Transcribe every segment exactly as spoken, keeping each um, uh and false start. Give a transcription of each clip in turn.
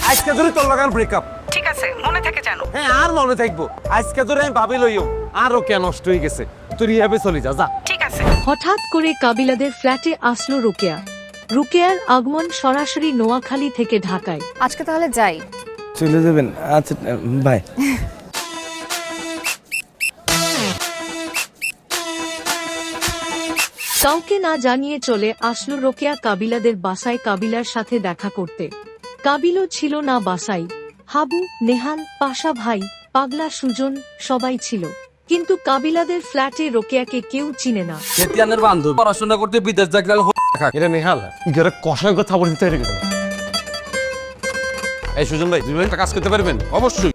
আজকে ধরে তোর লাগান ব্রেকআপ। ঠিক আছে, মনে থাকে জানো। হ্যাঁ, আর মনে থাকবো। আজকে ধরে আমি ভাবি লইও আরো কে নষ্ট হয়ে গেছে। তুই রিহাবে চলে যা, যা। ঠিক আছে। হঠাৎ করে কাবিলাদের ফ্ল্যাটে আসলো রোকেয়া। রোকেয়ার আগমন সরাসরি নোয়াখালী থেকে ঢাকায়। আজকে তাহলে যাই। চলে যাবেন? আচ্ছা বাই। কাউকে না জানিয়ে চলে আসলো রোকেয়া কাবিলাদের বাসায় কাবিলার সাথে দেখা করতে। কাবিলও ছিল না বাসায়। হাবু, নেহাল, পাশা ভাই, পাগলা সুজন সবাই ছিল, কিন্তু কাবিলাদের ফ্ল্যাটে রোকেয়াকে কেউ চিনে না। সেতিয়ানের বান্ধব পড়াশোনা করতে বিদেশ যাকলে এটা নেহাল ইগরে কষায় কথা বলতে তৈরি করে। এই সুজন ভাই, দুই একটা কাজ করতে পারবেন? অবশ্যই।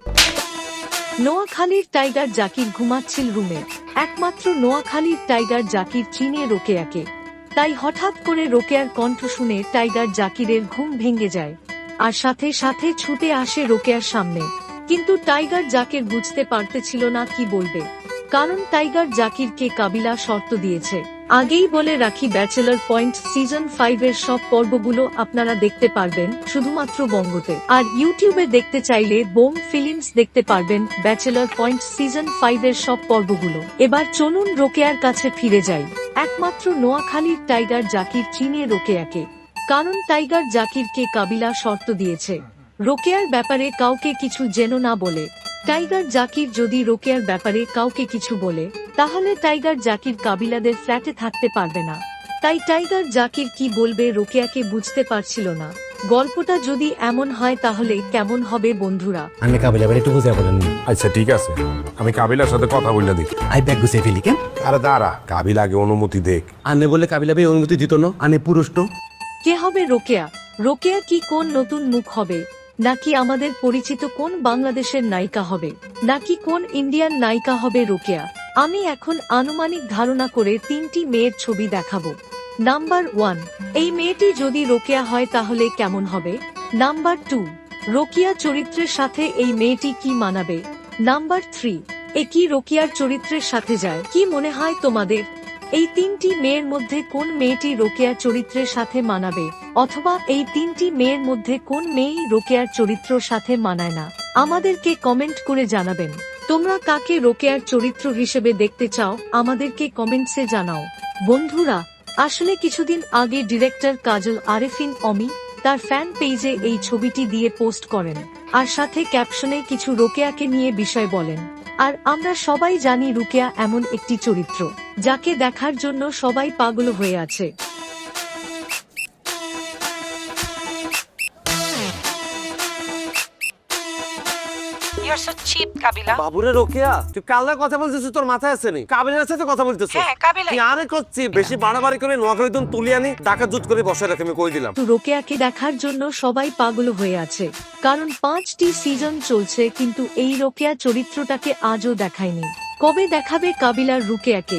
নোয়াখালীর টাইগার জাকির ঘুমাচ্ছিল রুমে। একমাত্র নোয়াখালীর টাইগার জাকির চিনে রোকেয়াকে, তাই হঠাৎ করে রোকেয়ার কণ্ঠ শুনে টাইগার জাকিরের ঘুম ভেঙে যায় আর সাথে সাথে ছুটে আসে রোকেয়ার সামনে। কিন্তু টাইগার জাকির বুঝতে পারতেছিল না কি বলবে, কারণ টাইগার জাকিরকে কাবিলা শর্ত দিয়েছে। আগেই বলে রাখি, ব্যাচেলর পয়েন্ট সিজন ফাইভ এর সব পর্বগুলো আপনারা দেখতে পারবেন শুধুমাত্র বঙ্গতে, আর ইউটিউবে দেখতে চাইলে বোম ফিল্মস দেখতে পারবেন ব্যাচেলর পয়েন্ট সিজন ফাইভ এর সব পর্বগুলো। এবার চলুন রোকেয়ার কাছে ফিরে যাই। একমাত্র নোয়াখালীর টাইগার জাকির চিনে রোকেয়াকে, কারণ টাইগার জাকিরকে কাবিলা শর্ত দিয়েছে রোকেয়ার ব্যাপারে কাউকে কিছু যেন না বলে। টাইগার জাকির যদি রোকেয়ার ব্যাপারে কাউকে কিছু বলে, তাহলে টাইগার জাকির কাবিলাদের ফ্ল্যাটে থাকতে পারবে না। তাই টাইগার জাকির কি বলবে রোকেয়াকে বুঝতে পারছিল না। গল্পটা যদি এমন হয় তাহলে কেমন হবে বন্ধুরা? আমি কাবিলা বাড়ি একটু বুঝে বলেন। আচ্ছা ঠিক আছে, আমি কাবিলার সাথে কথা বললে দেখি। আই ব্যাগ গুছিয়ে ফেলি কেন? আরে দাঁড়া, কাবিল আগে অনুমতি দেখ। আনে বলে কাবিলা ভাই অনুমতি দিত না? আনে পুরুষ তো। কে হবে রোকেয়া? রোকেয়া কি কোন নতুন মুখ হবে, নাকি আমাদের পরিচিত কোন বাংলাদেশের নায়িকা হবে, নাকি কোন ইন্ডিয়ান নায়িকা হবে রোকেয়া? আমি এখন আনুমানিক ধারণা করে তিনটি মেয়ের ছবি দেখাবো। নাম্বার ওয়ান, এই মেয়েটি যদি রোকেয়া হয় তাহলে কেমন হবে? নাম্বার টু, রোকেয়া চরিত্রের সাথে এই মেয়েটি কি মানাবে? নাম্বার থ্রি, এ কি রোকেয়ার চরিত্রের সাথে যায়? কি মনে হয় তোমাদের এই তিনটি মেয়ের মধ্যে কোন মেয়েটি রোকেয়ার চরিত্রের সাথে মানাবে, অথবা এই তিনটি মেয়ের মধ্যে কোন মেয়েই রোকেয়ার চরিত্রের সাথে মানায় না? আমাদেরকে কমেন্ট করে জানাবেন। তোমরা কাকে রোকেয়ার চরিত্র হিসেবে দেখতে চাও আমাদেরকে কমেন্টসে জানাও। বন্ধুরা, আসলে কিছুদিন আগে ডিরেক্টর কাজল আরেফিন অমি তার ফ্যান পেজে এই ছবিটি দিয়ে পোস্ট করেন, আর সাথে ক্যাপশনে কিছু রোকেয়াকে নিয়ে বিষয় বলেন। আর আমরা সবাই জানি রোকেয়া এমন একটি চরিত্র যাকে দেখার জন্য সবাই পাগল হয়ে আছে। ইউ আর সো চিপ কাবিলা। বাবুরে রোকেয়া, তুই কালনা কথা বলছিস, তোর মাথায় আছে নি? কাবিলার সাথে কথা বলতেছিস? হ্যাঁ, কাবিলা। তুই আরে করছি বেশি বাড়াবাড়ি করে নোয়াখালী দিন তুলি আনি টাকা জুট করে বসে রাখে, আমি কই দিলাম। তো রোকেয়াকে দেখার জন্য সবাই পাগল হয়ে আছে, কারণ পাঁচটি সিজন চলছে, কিন্তু এই রোকেয়া চরিত্রটাকে আজও দেখায়নি। কবে দেখাবে কাবিলার রোকেয়াকে?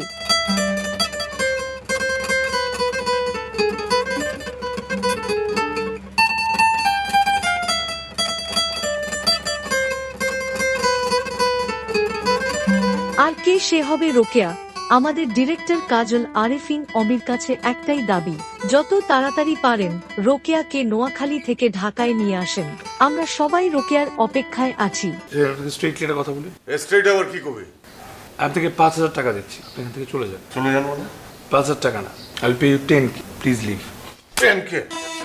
আর কে সে হবে রোকেয়া? আমাদের ডিরেক্টর কাজল আরেফিন অমির কাছে একটাই দাবি, যত তাড়াতাড়ি পারেন রোকেয়াকে নোয়াখালী থেকে ঢাকায় নিয়ে আসেন। আমরা সবাই রোকেয়ার অপেক্ষায় আছি। স্ট্রেট ক্লিয়ার কথা বলি। স্ট্রেট আবার কি কবে? আমি থেকে পাঁচ হাজার টাকা দিচ্ছি, আপনি এখান থেকে চলে যান। শুনে যান মানে? পাঁচ হাজার টাকা না, I will pay you ten K, please leave. Ten K?